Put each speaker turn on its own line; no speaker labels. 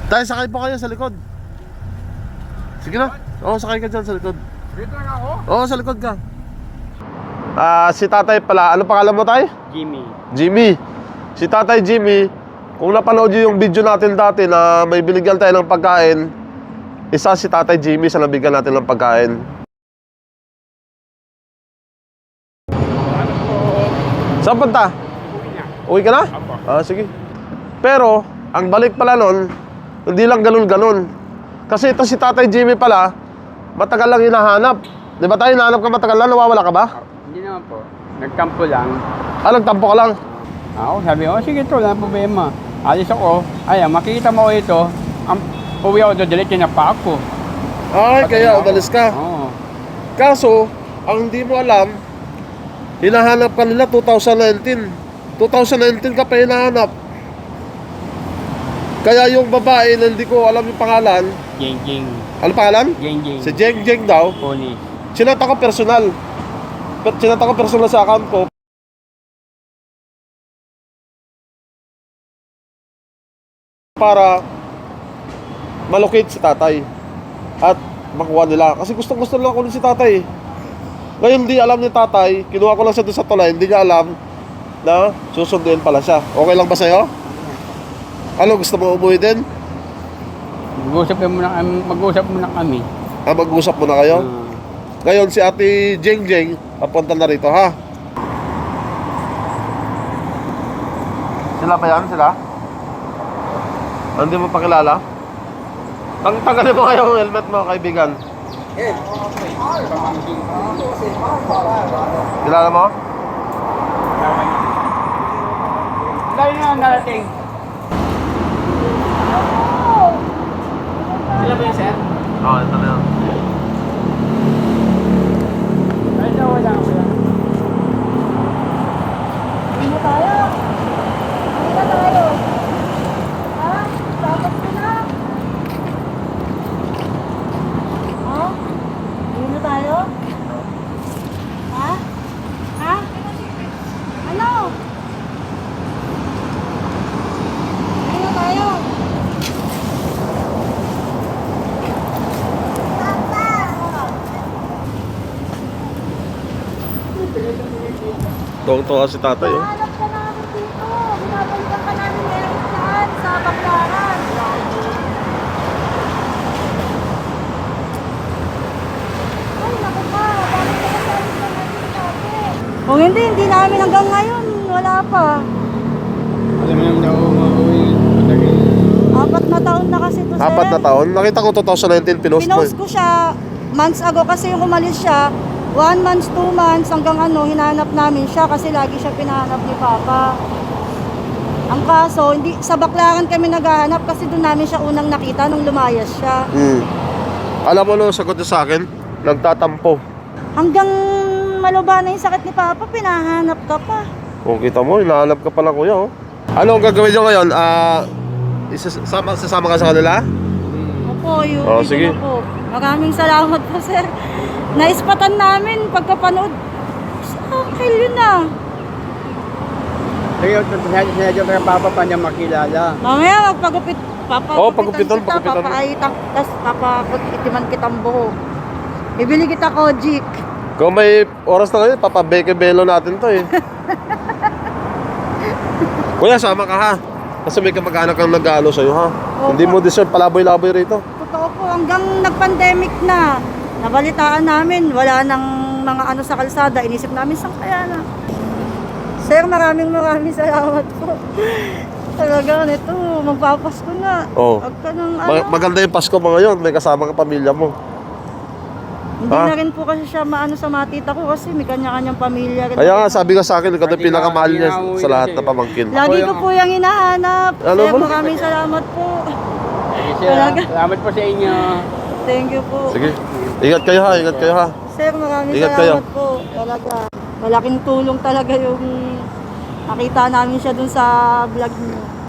Tayo, sakay po kayo sa likod. Sige na. Oo, sakay ka dyan sa likod.
Dito lang ako?
Oo, sa likod ka. Si tatay pala, ano pangalan mo tayo?
Jimmy.
Jimmy. Si tatay Jimmy, kung napanood nyo yung video natin dati na may binigyan tayo ng pagkain, isa si tatay Jimmy sa nabigyan natin ng pagkain. Saan punta? Uwi ka na? Sige. Pero, ang balik pala nun, hindi lang ganun-ganun. Kasi ito si tatay Jimmy pala, matagal lang hinahanap. Di ba tayo hinahanap ka matagal lang? Nawawala ka ba?
Hindi naman po. Nagtampo lang.
Nagtampo ka lang?
Ako sabi ko, sige to, wala problema. Alis ako. Ayan, makita mo ito. Ang uwi ako doon, diretso na pa ako.
Ay, kaya umalis ka.
Oo.
Kaso, ang hindi mo alam, hinahanap ka nila 2019. 2019 ka pa hinahanap. Kaya yung babae na hindi ko alam yung pangalan.
Jeng Jeng.
Ano pangalan?
Jeng Jeng.
Si Jeng Jeng daw.
Pony.
Sinata ko personal. Sinata ko personal sa account ko. Para malocate si tatay. At makuha nila. Kasi gustong-gusto lang ako si tatay. Ngayon hindi alam ni tatay. Kinuha ko lang siya doon sa tulay. Hindi niya alam na susunduin pala siya. Okay lang ba sa'yo? Ano, gusto mo umuwi din?
Mag-usap muna kami.
Mag-usap muna kayo? Ngayon si ate Jeng Jeng papunta na rito, ha? Sila ba yan? Sila? Hindi mo pakilala? Tanggalin mo kayo ang helmet mo, kaibigan. Kilala mo?
Dahil nga narating. Sila ba yun, sir?
Oo, ito na yun.
Ay, wala.
Hindi na tayo. Hindi na tayo. Ha? Tapos ko na. Ha? Hindi na tayo? Ha? Ha? Ano? Hindi na tayo.
Tuwang-tuwa si tatay, oh.
Hanap ka namin dito. Binabalikan ka namin meron saan sa Baclaran. Ay, naku pa. Bakit ka nasalit na natin natin? Kung hindi namin hanggang ngayon. Wala pa.
Alam mo naman ako mauwi.
4 na taon na kasi ito, sir.
4 na taon? Nakita ko 2019, pinost mo.
Pinost ko siya months ago kasi yung umalis siya. 1 month, 2 months, hanggang hinanap namin siya kasi lagi siya pinahanap ni Papa. Ang kaso, hindi, sa Baclaran kami naghahanap kasi doon namin siya unang nakita nung lumayas siya.
Alam mo no, sagot niya sa akin, nagtatampo.
Hanggang maluba na yung sakit ni Papa, pinahanap ka pa.
Kung kita mo, hinahanap ka pala kuya, oh. Ano ang gagawin niyo ngayon? Sasama ka sa kanila?
Opo, yun.
Oh, sige.
Po. Maraming salamat po, sir. Naispatan namin pagkapanood. Okay, yun na.
Sige, sinadya ko ng papa pa niya makilala.
Mamaya magpagupit.
pagupitan.
Papaaitan, tapos papakitiman kitang buhok. Bibili kita Kojik.
Kung may oras na ngayon, papabeke-belo natin to, eh. Kuya, sama ka, ha? Kasi may kamag-anak kang nag-aalo sa'yo, ha?
Opo.
Hindi mo deserve palaboy-laboy rito.
Totoo po, hanggang nag-pandemic na. Nabalitaan namin, wala nang mga sa kalsada. Inisip namin, saan kaya na? Sir, maraming salamat po. Talaga, nito, magpapasko na.
Oo.
Huwag ka nang
Maganda yung Pasko mo ngayon, may kasama ka pamilya mo.
Hindi na rin po kasi siya sa matita ko kasi may kanya-kanyang pamilya rin.
Kaya nga, sabi ko sa akin, ikaw yung pinakamahal niya sa lahat na pamangkin.
Lagi ko po yung hinahanap.
Ano
Sir,
ba?
maraming salamat po.
Talaga. Salamat po sa inyo.
Thank you po.
Sige, ingat kayo, ha? Ingat kayo, ha?
Sir, maraming
Ingat
salamat
kayo.
po. Talaga. Malaking tulong talaga yung nakita namin siya dun sa vlog niyo.